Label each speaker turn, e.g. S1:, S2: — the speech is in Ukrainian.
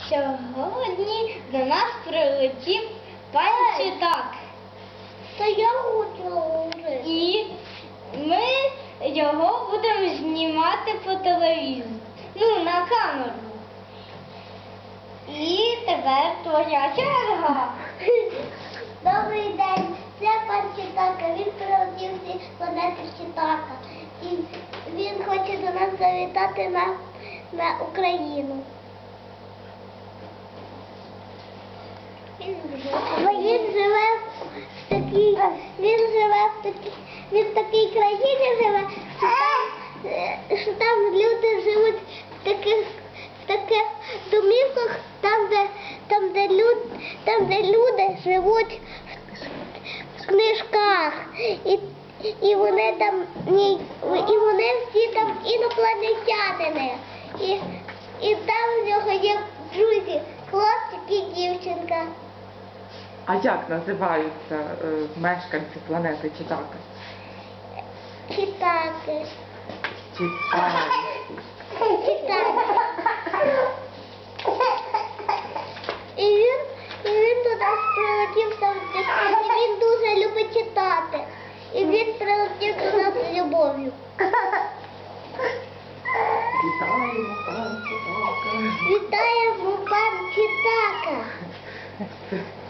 S1: Сьогодні до нас прилетів пан Читак.
S2: Та я хочу.
S1: І ми його будемо знімати по телевізору. Ну, на камеру. І тепер твоя черга.
S2: Добрий день, це пан Читака. Він прилетів зі планети Читака. І він хоче до нас завітати на Україну. Він в такій країні живе, що там люди живуть в таких домівках, там, де люди живуть в книжках. І вони всі там інопланетянини. І там в нього є друзі, хлопчик і дівчинка.
S3: А як називаються мешканці планети Читака?
S2: Читати.
S3: Читаки.
S2: І він до нас прилетів завжди. Він дуже любить читати. І він прилетів до нас з любов'ю.
S3: Вітаємо, пан Читака.
S2: Вітаємо, пан Читака.